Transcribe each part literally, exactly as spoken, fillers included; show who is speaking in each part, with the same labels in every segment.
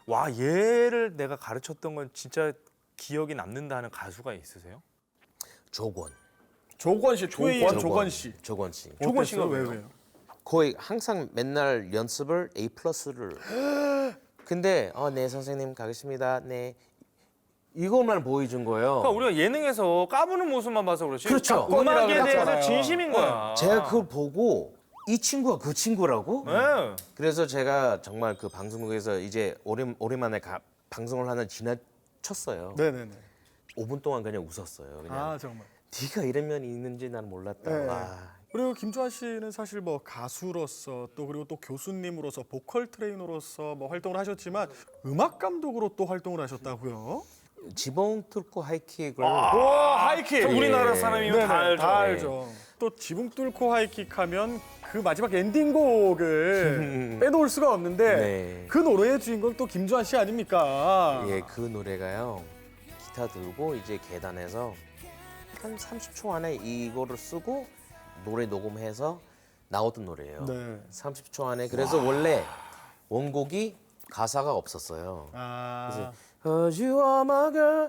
Speaker 1: 와 얘를 내가 가르쳤던 건 진짜 기억이 남는다 하는 가수가 있으세요?
Speaker 2: 조건.
Speaker 3: 조건 씨, 투에이엠 조건 씨.
Speaker 2: 조건 씨.
Speaker 1: 조건 씨가
Speaker 3: 왜
Speaker 1: 왜요?
Speaker 3: 왜요?
Speaker 2: 거의 항상 맨날 연습을 A 플러스를. 근데 어, 네 선생님 가겠습니다. 네. 이것만 보여준 거예요.
Speaker 1: 그러니까 우리가 예능에서 까부는 모습만 봐서 그렇지.
Speaker 2: 그렇죠.
Speaker 1: 음악에
Speaker 3: 그랬잖아요.
Speaker 1: 대해서 진심인 거야.
Speaker 2: 제가 그걸 보고 이 친구가 그 친구라고?
Speaker 1: 네.
Speaker 2: 그래서 제가 정말 그 방송국에서 이제 오랜, 오랜만에 가, 방송을 하나 지나쳤어요.
Speaker 3: 네네네.
Speaker 2: 오 분 동안 그냥 웃었어요. 그냥
Speaker 3: 아 정말.
Speaker 2: 네가 이런 면이 있는지 난 몰랐다.
Speaker 3: 네.
Speaker 2: 와.
Speaker 3: 그리고 김주환 씨는 사실 뭐 가수로서 또 그리고 또 교수님으로서 보컬 트레이너로서 뭐 활동을 하셨지만 음악 감독으로 또 활동을 하셨다고요?
Speaker 2: 지붕 뚫고 하이킥을
Speaker 3: 와 하이킥.
Speaker 1: 우리나라 사람이면
Speaker 3: 네네,
Speaker 1: 다 알죠.
Speaker 3: 다 알죠. 또 지붕 뚫고 하이킥 하면 그 마지막 엔딩곡을 빼놓을 수가 없는데
Speaker 2: 네.
Speaker 3: 그 노래의 주인공 또 김주환 씨 아닙니까?
Speaker 2: 예, 그 노래가요. 기타 들고 이제 계단에서 한 삼십 초 안에 이거를 쓰고 노래 녹음해서 나오던 노래예요.
Speaker 3: 네.
Speaker 2: 삼십 초 안에. 그래서 원래 원곡이 가사가 없었어요.
Speaker 3: 아.
Speaker 2: Cause you are my girl.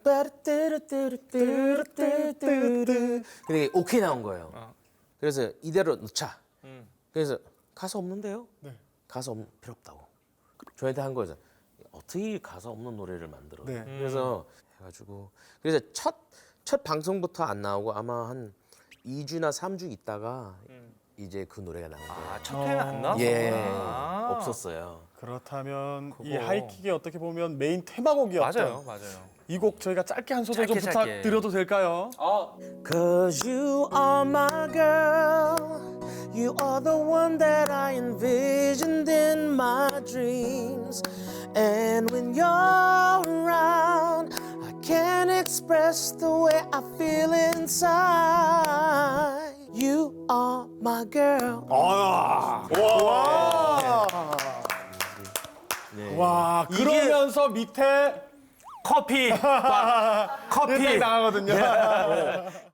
Speaker 2: 뚜빠르뚜루뚜루뚜루뚜루뚜루. 근데 오케이 나온 거예요. 그래서 이대로 넣자.
Speaker 1: 음.
Speaker 2: 그래서 가사 없는데요?
Speaker 3: 네.
Speaker 2: 가사 없, 필요 없다고. 저한테 한 거죠. 어떻게 가사 없는 노래를 만들어?
Speaker 3: 네.
Speaker 2: 그래서 해가지고 그래서 첫, 첫 방송부터 안 나오고 아마 한 이 주나 삼 주 있다가 이제 그 노래가 나온 거예요.
Speaker 1: 아, 첫 회는 안 나왔구나.
Speaker 2: 예,
Speaker 1: 아.
Speaker 2: 없었어요.
Speaker 3: 그렇다면 이
Speaker 1: 그거.
Speaker 3: 하이킥이 어떻게 보면 메인 테마곡이었죠.
Speaker 1: 맞아요, 맞아요.
Speaker 3: 이 곡 저희가 짧게 한 소절 좀
Speaker 1: 짧게, 짧게.
Speaker 3: 부탁드려도 될까요?
Speaker 2: Cause you are my girl. You are the one that I envisioned in my dreams. And when you're around, I can't express the way I feel inside. You are my girl.
Speaker 3: 와.
Speaker 2: 네.
Speaker 3: 와. 그러면서 밑에
Speaker 1: 커피, 막, 커피.
Speaker 3: 나가거든요.